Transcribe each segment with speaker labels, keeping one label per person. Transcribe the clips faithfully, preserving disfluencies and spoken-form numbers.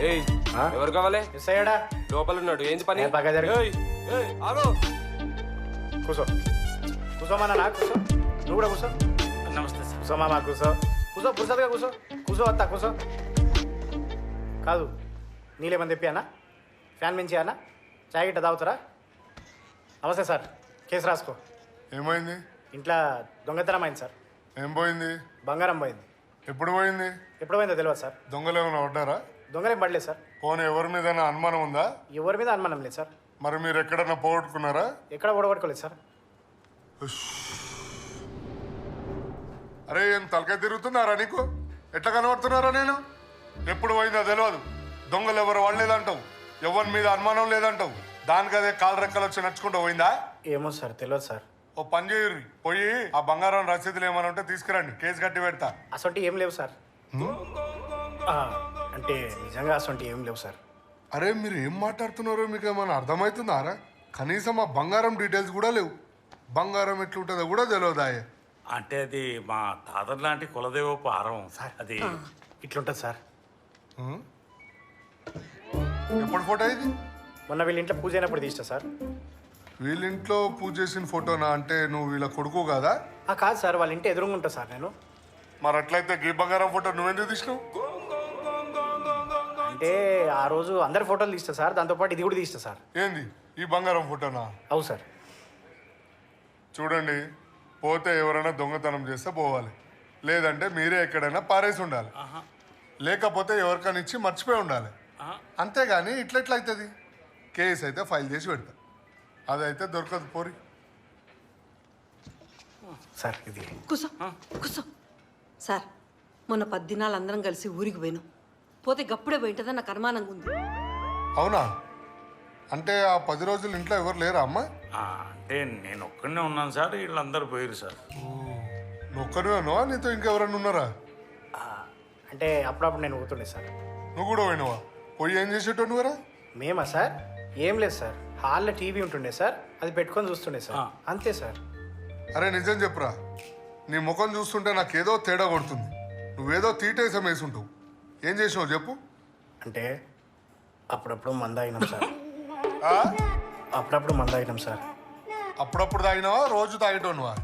Speaker 1: ఏయ్ ఎవరు కావాలి?
Speaker 2: మిస్ అయ్యాడా?
Speaker 1: లోపల ఉన్నాడు. ఏంది పని?
Speaker 2: బాగా జరిగింది.
Speaker 1: ఏయ్ ఏయ్ ఆగు.
Speaker 2: కూసో కూసోమన్నా నా కూసో. నువ్వు కూడా కూసో.
Speaker 3: నమస్తే సార్.
Speaker 2: కూసో మామా కూసో. కూసో పురుసలుగా కూసో. కూసో వస్తా కూసో. కాదు నీళ్ళేమని తెప్పి అన్న? ఫ్యాన్ మించి అన్న? చాయ్ గిట్ట తాగుతారా? నమస్తే సార్. కేసు రాసుకో.
Speaker 4: ఏమైంది?
Speaker 2: ఇంట్లో దొంగతనం అయింది సార్.
Speaker 4: ఏం పోయింది?
Speaker 2: బంగారం పోయింది.
Speaker 4: ఎప్పుడు పోయింది?
Speaker 2: ఎప్పుడు పోయిందో తెలియదు సార్.
Speaker 4: దొంగలు ఏమైనా పడ్డారా?
Speaker 2: దొంగలేం పడలేదు సార్.
Speaker 4: పోనీ ఎవరి మీద అనుమానం ఉందా?
Speaker 2: ఎవరి మీద అనుమానం లేదు సార్.
Speaker 4: మరి మీరు ఎక్కడన్నా పోగొట్టుకున్నారా?
Speaker 2: ఎక్కడ ఓడగొట్టుకోలేదు సార్.
Speaker 4: అరే ఏం తలకాయ తిరుగుతున్నారా నీకు? ఎట్లా కనబడుతున్నారా నేను? ఎప్పుడు పోయిందో తెలియదు. దొంగలు ఎవరు వాళ్ళేదంటావు, ఎవరి మీద అనుమానం లేదంటావు. దానికి అదే కాలు రెక్కలు వచ్చి నడుచుకుంటూ పోయిందా?
Speaker 2: ఏమో సార్ తెలియదు సార్.
Speaker 4: ఓ పని చేయరు, పోయి ఆ బంగారం రసీదులు ఏమైనా ఉంటే తీసుకురండి, కేసు కట్టి పెడతా.
Speaker 2: అసొంటి ఏం లేవు సార్. ఆ, అంటే నిజంగా అసొంటి ఏం లేవు సార్.
Speaker 4: అరే మీరు ఏం మాట్లాడుతున్నారో మీకు ఏమైనా అర్థమవుతుందారా? కనీసం ఆ బంగారం డీటెయిల్స్ కూడా లేవు. బంగారం ఎట్లుంటుందో కూడా తెలియదాయే.
Speaker 3: అంటే అది మా తాతర్ లాంటి కులదేవపు ఆరం
Speaker 2: సార్
Speaker 3: అది
Speaker 2: ఇట్లుంటుంది సార్.
Speaker 4: ఎప్పుడు ఫోటో ఇది?
Speaker 2: మొన్న వీళ్ళ ఇంట్లో పూజ అయినప్పుడు తీస్తా సార్.
Speaker 4: వీళ్ళింట్లో పూజ చేసిన ఫోటోనా? అంటే నువ్వు వీళ్ళ కొడుకు కదా?
Speaker 2: ఆ, కాదు సార్, వాళ్ళ ఇంటి ఎదురుగా ఉంటా సార్ నేను.
Speaker 4: మరి అట్లయితే గీ బంగారం ఫోటో నువ్వెందుకు తీసినావు?
Speaker 2: అంటే ఆ రోజు అందరి ఫోటోలు తీస్తా సార్, దాంతోపాటు ఇది కూడా తీస్తా సార్.
Speaker 4: ఏంది ఈ బంగారం ఫోటోనా?
Speaker 2: అవు సార్.
Speaker 4: చూడండి, పోతే ఎవరైనా దొంగతనం చేస్తే పోవాలి, లేదంటే మీరే ఎక్కడైనా పారేసి ఉండాలి, లేకపోతే ఎవరికైనా ఇచ్చి మర్చిపోయి ఉండాలి. అంతేగాని ఇట్లెట్లయితుంది? కేసు అయితే ఫైల్ చేసి పెడతా, అదైతే దొరకదు. పోరి
Speaker 2: సార్ ఇది
Speaker 5: కూసో కూసో. సార్ మొన్న పది దినాలు అందరం కలిసి ఊరికి పోయినాం. పోతే గప్పుడే పోయింటుందని నాకు అనుమానంగా ఉంది.
Speaker 4: అవునా? అంటే ఆ పది రోజులు ఇంట్లో ఎవరు లేరా అమ్మ?
Speaker 3: ఆ, అంటే నేను ఒక్కడనే ఉన్నాను సార్, వీళ్ళందరూ పోయారు సార్.
Speaker 4: నువ్వు ఒక్కరివేనో, నీతో ఇంకెవరన్నా ఉన్నారా?
Speaker 2: అంటే అప్పుడప్పుడు నేను ఊతుండే సార్.
Speaker 4: నువ్వు కూడా పోయినవా? పోయి ఏం చేసేటో నువ్వరా?
Speaker 2: మేమా సార్? ఏం లేదు సార్, హాల్లో టీవీ ఉంటుండే సార్, అది పెట్టుకొని చూస్తుండే సార్, అంతే సార్.
Speaker 4: అరే నిజం చెప్పురా, నీ ముఖం చూస్తుంటే నాకేదో తేడా కొడుతుంది. నువ్వేదో తీటేసం వేసుంటావు. ఏం చేసినావు చెప్పు?
Speaker 2: అంటే అప్పుడప్పుడు మంద అయినాం సార్.
Speaker 4: ఆ?
Speaker 2: అప్పుడప్పుడు మంద అయినాం సార్.
Speaker 4: అప్పుడప్పుడు తాగినావా, రోజు తాగేటోనువా?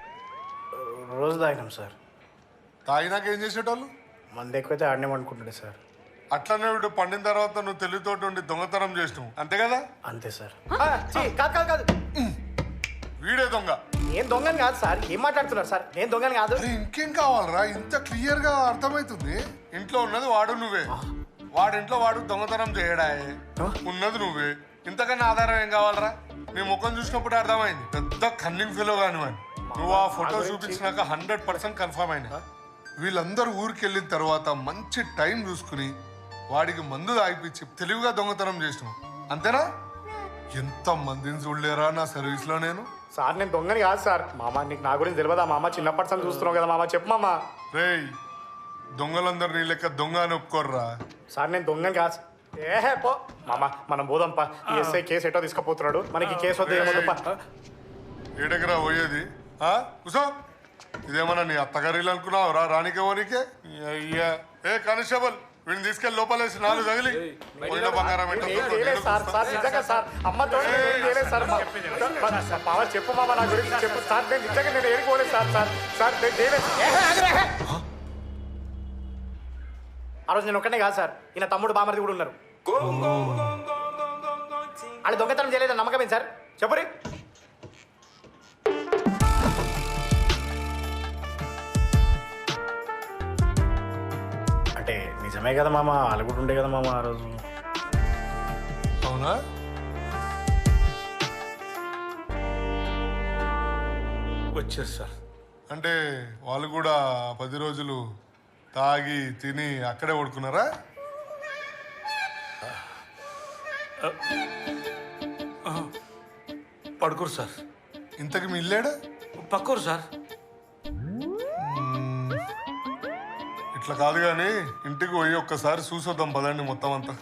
Speaker 2: రోజు తాగినాం సార్.
Speaker 4: తాగినాక ఏం చేసేటోళ్ళు?
Speaker 2: మంద ఎక్కువైతే ఆడనే అనుకుంటుండే సార్.
Speaker 4: అట్లనే వీడు పండిన తర్వాత నువ్వు తెలివితోటి ఉండి దొంగతనం చేసినావు, అంతే కదా?
Speaker 2: అంతే సార్. కాదు కాదు కాదు,
Speaker 4: వీడే దొంగ.
Speaker 2: నేను దొంగని కాదు సార్. ఏం మాట్లాడుతున్నారు సార్? నేను దొంగని కాదు.
Speaker 4: అరే ఇంకేం కావాలరా? ఇంత క్లియర్ గా అర్థమవుతుంది. ఇంట్లో ఉన్నది వాడు నువ్వే, వాడింట్లో వాడు దొంగతనం చేయడాయే, ఉన్నది నువ్వే. ఇంతకన్నా ఆధారం ఏం కావాలరా? నీ ముఖం చూసినప్పుడు అర్థమైంది పెద్ద కన్నింగ్ ఫీలో కానివ్వండి. నువ్వు ఆ ఫోటో చూపించినాక హండ్రెడ్ పర్సెంట్ కన్ఫర్మ్ అయినా. వీళ్ళందరూ ఊరికి వెళ్ళిన తర్వాత మంచి టైం చూసుకుని వాడికి మందు తాగిపించి తెలివిగా దొంగతనం చేసినావు, అంతేనా? ఎంత మందిని చూడలేరా నా సర్వీస్ లో నేను.
Speaker 2: సార్ నేను దొంగని కాదు సార్. మామ నీకు నా గురించి తెలియదా మామ? చిన్నప్పటి నుంచి చూస్తున్నావు కదా మామ, చెప్పు మామ.
Speaker 4: రేయ్, దొంగలందరూ నీ లెక్క దొంగ అని ఒప్పుకోర్రా.
Speaker 2: సార్ నేను దొంగని కాదు. ఏహే పో మామ, మనం పోదాంపా. ఈ ఎస్ఐ కేసు ఎటో తీసుకుపోతున్నాడు, మనకి కేసు వద్ద ఏమొద్దుపా.
Speaker 4: ఏడెకరా పోయేది? కూసో. ఇదేమన్నా నీ అత్తగారిలు అనుకున్నావు రా? రానికేమోనికే అయ్యా. ఏ కానిస్టేబుల్, వీడిని తీసుకెళ్ళి లోపలేసి నాలుగు తగిలి పోయిన బంగారం
Speaker 2: సార్. సార్ నిజంగా సార్, అమ్మతో సార్. మామ చెప్పు మామ, నా గురించి చెప్పు సార్. నేను నిజంగా నేను ఏడుకోలేదు సార్. సార్ సార్ ఆ రోజు నేను ఒక్కనే కాదు సార్, ఈయన తమ్ముడు బామర్ది కూడా ఉన్నారు. వాళ్ళు దొంగతనం చేయలేదని నమ్మకమే సార్, చెప్పురి. అంటే నిజమే కదా మామ, వాళ్ళు కూడా ఉండే కదా మామ ఆ రోజు.
Speaker 4: అవునా?
Speaker 3: వచ్చారు సార్.
Speaker 4: అంటే వాళ్ళు కూడా పది రోజులు తాగి తిని అక్కడే పడుకున్నారా?
Speaker 3: పడుకోరు సార్.
Speaker 4: ఇంతకు మీ ఇల్లేడా?
Speaker 3: పక్కరు సార్.
Speaker 4: ఇట్లా కాదు కానీ ఇంటికి పోయి ఒక్కసారి చూసొద్దాం పదండి మొత్తం అంతా.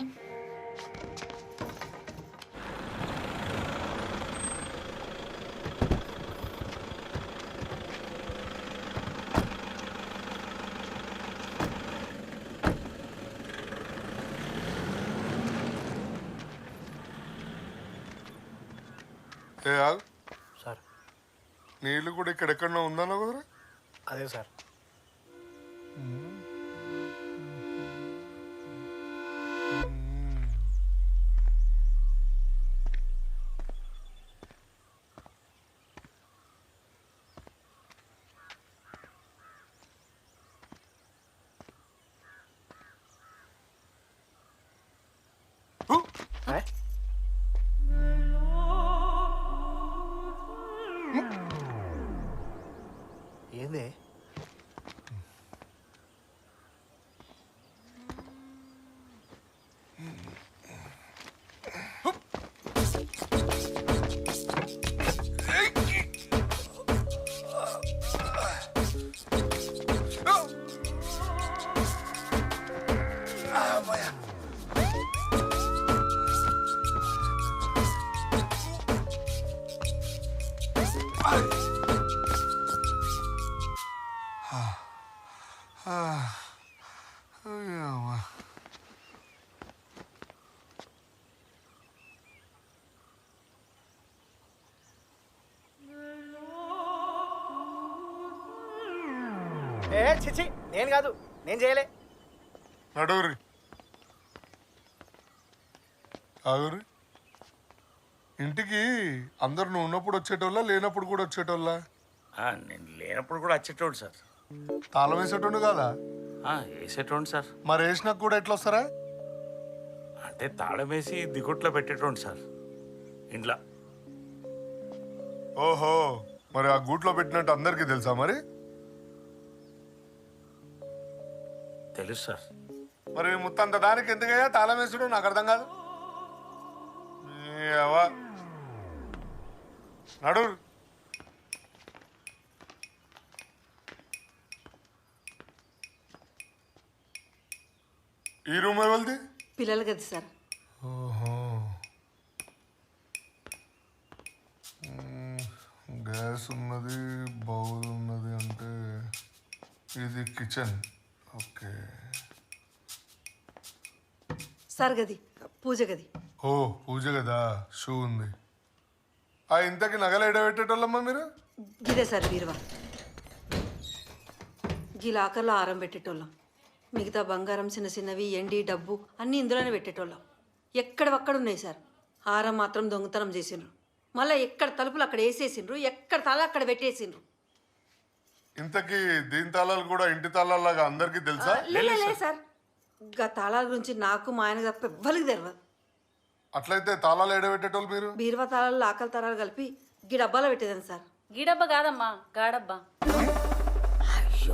Speaker 4: ఏ ఆగు.
Speaker 2: సార్
Speaker 4: నీళ్ళు కూడా ఇక్కడెక్కడో ఉందన్నా కుదరా.
Speaker 2: అదే సార్. ఏ? ఏంది?
Speaker 4: అయ్యవ్వ.
Speaker 2: ఏ చిచి, నేను కాదు, నేను చేయలే.
Speaker 4: నడువురి ఆగురి. ఇంటికి అందరు నువ్వు ఉన్నప్పుడు వచ్చేటోళ్ళ లేనప్పుడు కూడా వచ్చేటోళ్ళ?
Speaker 3: ఆ, నేను లేనప్పుడు కూడా వచ్చేటోడు సార్.
Speaker 4: తాళం వేసేటోడు కదా.
Speaker 3: ఆ, వేసేటోండి సార్.
Speaker 4: మరి వేసినాక కూడా ఎట్లా వస్తారా?
Speaker 3: అంటే తాళం వేసి దిగుట్లో పెట్టేటోండి సార్ ఇంట్లో.
Speaker 4: ఓహో, మరి ఆ గూట్లో పెట్టినట్టు అందరికీ తెలుసా మరి?
Speaker 3: తెలుసు సార్.
Speaker 4: మరి ముత్తంత దానికి ఎందుకయ్యా తాళం వేసుడు నాకు అర్థం కాదు. ఏవా, నడు. ఈ రూమ్ ఎవరిది?
Speaker 5: పిల్లలు కదా సార్.
Speaker 4: ఓహో, మ్మ్. గ్యాస్ ఉన్నది, బౌల్ ఉన్నది, అంటే ఇది కిచెన్. ఓకే.
Speaker 5: సార్ గది పూజ గది.
Speaker 4: ఓ పూజ కదా, షూ ఉంది. ఆ ఇంతకి నగలు ఎడబెట్టేటోళ్ళమ్మా మీరు?
Speaker 5: గిదే సార్ బీరువా. గీ లాకర్లో ఆరం పెట్టేటోళ్ళం. మిగతా బంగారం చిన్న చిన్నవి ఎండి డబ్బు అన్నీ ఇందులోనే పెట్టేటోళ్ళం. ఎక్కడవక్కడ ఉన్నాయి సార్. హారం మాత్రం దొంగతనం చేసిండ్రు. మళ్ళీ ఎక్కడ తలుపులు అక్కడ వేసేసిండ్రు, ఎక్కడ తాళ అక్కడ పెట్టేసిండ్రు.
Speaker 4: ఇంతకీ దీని తాళాలు కూడా ఇంటి తాళాలాగా అందరికీ తెలుసా?
Speaker 5: లే లే, లే సార్, గా తాళాల గురించి నాకు మా ఆయన తప్ప ఎవ్వరికి తెలియదు.
Speaker 4: అట్లయితే తాళాలు ఎడబెట్టేటోళ్ళు మీరు?
Speaker 5: బీరువా తాళాలు లాకల తాళాలు కలిపి గీ డబ్బాలో పెట్టేదాన్ని సార్.
Speaker 6: గీడబ్బా కాదమ్మా, గాడబ్బా.
Speaker 5: అయ్యో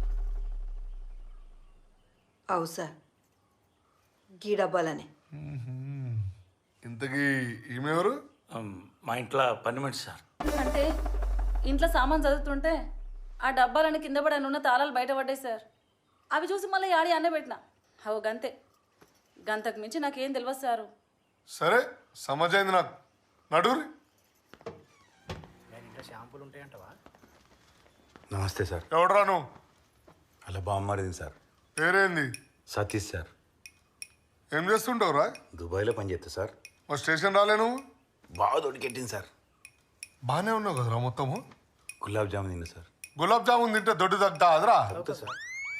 Speaker 5: అవు సార్, గీ డబ్బాలనే.
Speaker 4: ఇంతకీ ఈమెవరు?
Speaker 3: ఉమ్, మా ఇంట్లో పని మనిషి సార్.
Speaker 6: అంటే ఇంట్లో సామాన్ చదువుతుంటే ఆ డబ్బాలని కింద పడని ఉన్న తాళాలు బయటపడ్డాయి సార్. అవి చూసి మళ్ళీ యాడి అన్న పెట్టిన. అవు గంతే, గంతకు మించి నాకేం తెలియదు సారు.
Speaker 4: సరే, సమజైంది నాకు. నడురి.
Speaker 2: నేను ఇంట్లో షాంపూలు ఉంటాయంటవా?
Speaker 7: నమస్తే సార్.
Speaker 4: ఎవడరా నువ్వు?
Speaker 7: అలా బామ్మరిది సార్.
Speaker 4: పేరేంది?
Speaker 7: సతీష్ సార్.
Speaker 4: ఏం చేస్తుంటావురా?
Speaker 7: దుబాయ్లో పనిచేస్తా సార్.
Speaker 4: మా స్టేషన్ రాలే నువ్వు?
Speaker 7: బాగా దొడికెట్టింది సార్.
Speaker 4: బాగానే ఉన్నావు కదరా మొత్తము.
Speaker 7: గులాబ్ జామున్ తిన్నా సార్.
Speaker 4: గులాబ్ జామున్ తింటే దొడ్డు తగ్గుతా అదరా?
Speaker 7: అవుతా సార్.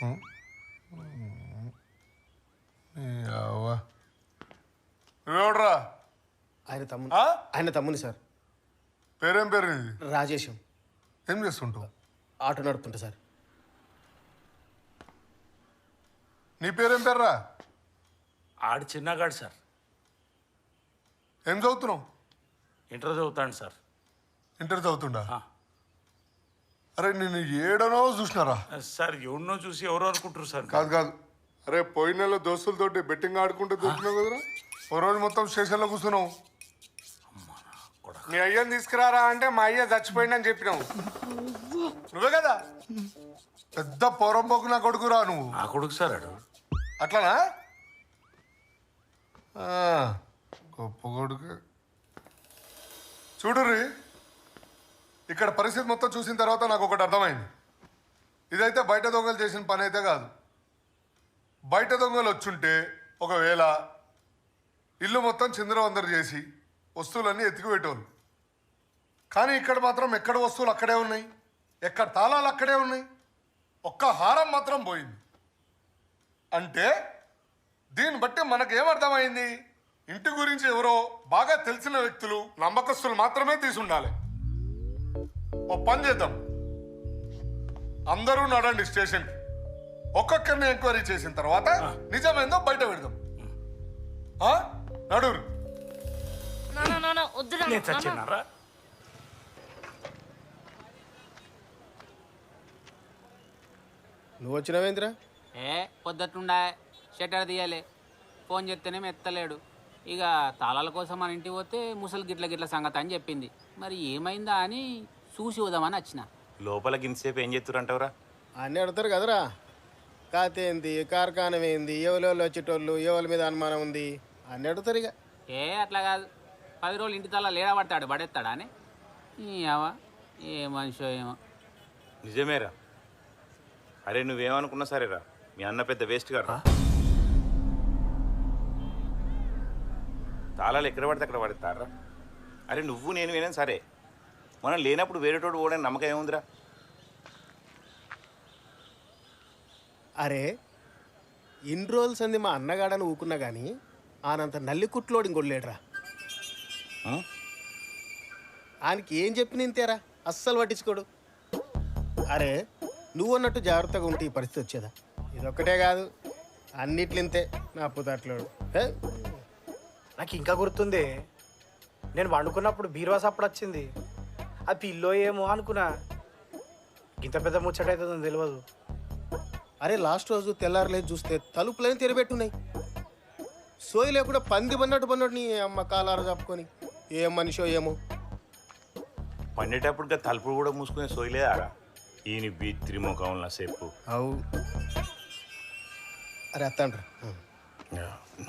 Speaker 4: నువ్వెవడరా?
Speaker 2: ఆయన తమ్ముని.
Speaker 4: ఆ?
Speaker 2: ఆయన తమ్ముని సార్.
Speaker 4: పేరేం పేరు నీది?
Speaker 2: రాజేశం.
Speaker 4: ఏం చేస్తుంటావు?
Speaker 2: ఆటో నడుపుతుంటా సార్.
Speaker 4: నీ పేరేం పేర్రా?
Speaker 3: ఆడు చిన్నగాడు సార్.
Speaker 4: ఏం చదువుతున్నావు?
Speaker 3: ఇంటర్ చదువుతాడు సార్.
Speaker 4: ఇంటర్ చదువుతుండా?
Speaker 3: ఆ.
Speaker 4: అరే నేను ఏడనో చూసినారా?
Speaker 3: సార్ ఎవరినో చూసి ఎవరో అనుకుంటారు సార్.
Speaker 4: కాదు కాదు, అరే పోయిన నెల దోస్తులతోటి బెట్టింగ్ ఆడుకుంటూ దొరికినావు కదరా. ఓ రోజు మొత్తం స్టేషన్లో కూర్చున్నావు. మీ అయ్యని తీసుకురారా అంటే మా అయ్య చచ్చిపోయిందని చెప్పినావు. నువ్వే కదా పెద్ద పొరంపోకు నా కొడుకురా నువ్వు.
Speaker 3: నా కొడుకు సార్ ఆడు.
Speaker 4: అట్లానా? ఆ, గొప్ప కొడుకు. చూడుర్రి, ఇక్కడ పరిస్థితి మొత్తం చూసిన తర్వాత నాకు ఒకటి అర్థమైంది. ఇదైతే బయట దొంగలు చేసిన పని అయితే కాదు. బయట దొంగలు వచ్చుంటే ఒకవేళ ఇల్లు మొత్తం చిందరవందరు చేసి వస్తువులన్నీ ఎత్తికి పెట్టేవాళ్ళు. కానీ ఇక్కడ మాత్రం ఎక్కడ వస్తువులు అక్కడే ఉన్నాయి, ఎక్కడ తాళాలు అక్కడే ఉన్నాయి, ఒక్క హారం మాత్రం పోయింది. అంటే దీన్ని బట్టి మనకేమర్థమైంది? ఇంటి గురించి ఎవరో బాగా తెలిసిన వ్యక్తులు, నమ్మకస్తులు మాత్రమే తీసుండాలి. ఓ పని చేద్దాం, అందరూ నడండి స్టేషన్కి. ఒక్కొక్కరిని ఎంక్వైరీ చేసిన తర్వాత నిజమేందో బయట పెడదాం. ఆ? నడురు.
Speaker 3: నేను చచ్చినారా?
Speaker 8: నువ్వు వచ్చినావేంద్రా?
Speaker 9: ఏ పొద్దుట్లుండా షట్టర్ తీయాలి, ఫోన్ చేస్తేనేమో ఎత్తలేడు. ఇక తాళాల కోసం మన ఇంటికి పోతే ముసలి గిట్ల గిట్ల సంగతి అని చెప్పింది. మరి ఏమైందా అని చూసి వదామని వచ్చిన.
Speaker 7: లోపల గింతసేపు ఏం చేస్తురంటవరా?
Speaker 8: అన్నీ అడుగుతారు కదరా. కాతే ఏంది, కార్ఖానం ఏంది, ఎవరెవరు వచ్చేటోళ్ళు, ఎవరి మీద అనుమానం ఉంది అన్నీ అడుగుతారు. ఇక
Speaker 9: ఏ అట్లా కాదు, పది రోజులు ఇంటి తాళాలు లేడా పడతాడు పడేస్తాడా అని. ఏవా ఏ మనిషో ఏమో.
Speaker 7: నిజమేరా. అరే నువ్వేమనుకున్నా సరేరా, మీ అన్న పెద్ద వేస్ట్ గారు. తాళాలు ఎక్కడ పడితే అక్కడ పడతారా? అరే నువ్వు నేను వినా సరే, మనం లేనప్పుడు వేరేటోడు ఓడని నమ్మకం ఏముందిరా?
Speaker 8: అరే ఇన్ని రోజులు సంది మా అన్నగాడని ఊకున్నా కానీ ఆనంత నల్లి కుట్లోడు ఇంకొడలేడురా.
Speaker 7: ఆ?
Speaker 8: ఆయనకి ఏం చెప్పి నింతేరా అస్సలు పట్టించుకోడు. అరే నువ్వు అన్నట్టు జాగ్రత్తగా ఉంటే ఈ పరిస్థితి వచ్చేదా? ఇదొక్కటే కాదు, అన్నిట్లింతే నా పుతాట్లోడు. ఏ?
Speaker 2: నాకు ఇంకా గుర్తుంది, నేను వండుకున్నప్పుడు బీరువా సప్పుడు వచ్చింది. అది పిల్లో ఏమో అనుకున్నా, ఇంత పెద్ద ముచ్చట అవుతుందని తెలియదు.
Speaker 8: అరే లాస్ట్ రోజు తెల్లారలేదు చూస్తే తలుపులని తెరబెట్టున్నాయి. సోయి లేకుండా పంది పన్నట్టు పన్నట్టు నీ అమ్మ కాలారు చెప్పుకొని ఏం మనిషో ఏమో.
Speaker 7: పండేటప్పుడు తలుపులు కూడా మూసుకునే సోయలేదారా? ఈయన బీ త్రిముఖంలో సేపు.
Speaker 8: అవు అరే అత్తండ్రా.